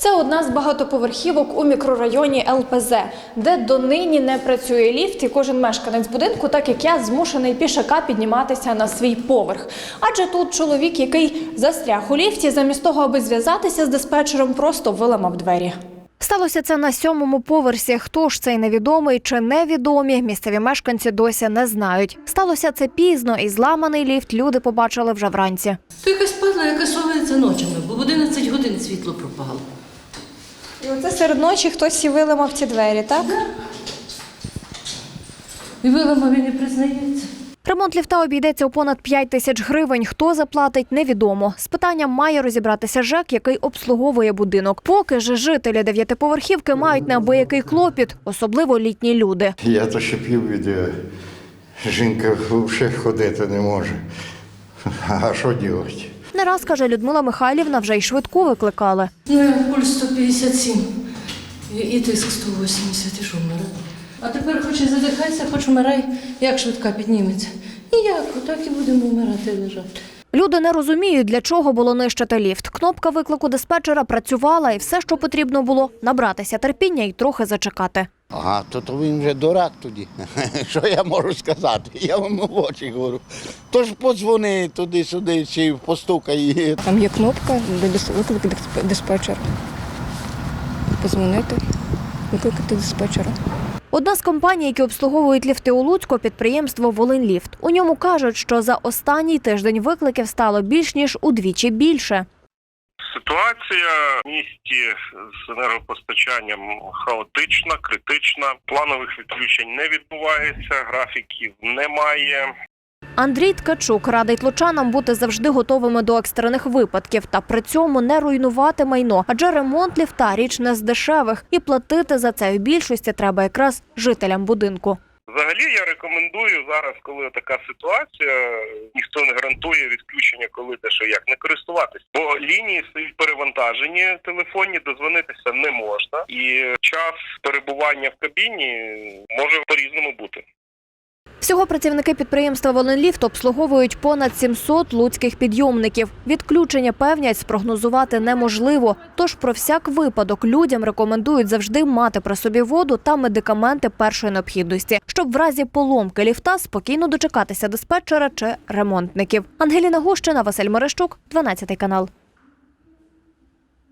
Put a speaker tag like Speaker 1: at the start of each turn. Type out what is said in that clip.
Speaker 1: Це одна з багатоповерхівок у мікрорайоні ЛПЗ, де донині не працює ліфт, і кожен мешканець будинку, так як я, змушений пішака підніматися на свій поверх. Адже тут чоловік, який застряг у ліфті, замість того, аби зв'язатися з диспетчером, просто виламав двері. Сталося це на 7-му поверсі. Хто ж цей невідомий чи невідомі, місцеві мешканці досі не знають. Сталося це пізно, і зламаний ліфт люди побачили вже вранці.
Speaker 2: То якась падла, яка совається ночами, бо в 11 годин світло пропало.
Speaker 1: І оце серед ночі хтось і виламав ці двері, так?
Speaker 2: І виламав, і не признається.
Speaker 1: Ремонт ліфта обійдеться у понад 5 тисяч гривень. Хто заплатить – невідомо. З питанням має розібратися ЖЕК, який обслуговує будинок. Поки ж жителі 9-поверхівки мають неабиякий клопіт, особливо літні люди.
Speaker 3: Я то ще пів відео. Жінка взагалі ходити не може. А що робити?
Speaker 1: Не раз, каже Людмила Михайлівна, вже й швидку викликали.
Speaker 2: Ну, пульс 157 і тиск 180, і що вмирає. А тепер хоч і задихайся, хоч вмирай, як швидка підніметься. Ніяк, отак і будемо вмирати і лежати.
Speaker 1: Люди не розуміють, для чого було нищити ліфт. Кнопка виклику диспетчера працювала, і все, що потрібно було – набратися терпіння і трохи зачекати.
Speaker 4: Ага, то він вже дурак тоді. Що я можу сказати? Я вам в очі говорю. Тож подзвони туди-сюди, чи постукай.
Speaker 5: Там є кнопка, де виклик диспетчера. Позвонити, викликати диспетчера.
Speaker 1: Одна з компаній, які обслуговують ліфти у Луцьку – підприємство «Волиньліфт». У ньому кажуть, що за останній тиждень викликів стало більш ніж удвічі більше.
Speaker 6: Ситуація в місті з енергопостачанням хаотична, критична. Планових відключень не відбувається, графіків немає.
Speaker 1: Андрій Ткачук радить лучанам бути завжди готовими до екстрених випадків та при цьому не руйнувати майно, адже ремонт ліфта – річ не з дешевих, і платити за це в більшості треба якраз жителям будинку.
Speaker 6: Взагалі я рекомендую зараз, коли така ситуація, ніхто не гарантує відключення, коли де що як, не користуватись. Бо лінії стоять перевантажені, телефонні, дозвонитися не можна. І час перебування в кабіні може по-різному бути.
Speaker 1: Всього працівники підприємства «Волиньліфт» обслуговують понад 700 луцьких підйомників. Відключення, певнять, спрогнозувати неможливо. Тож про всяк випадок людям рекомендують завжди мати при собі воду та медикаменти першої необхідності, щоб в разі поломки ліфта спокійно дочекатися диспетчера чи ремонтників. Ангеліна Гущина, Василь Мерещук, 12 канал.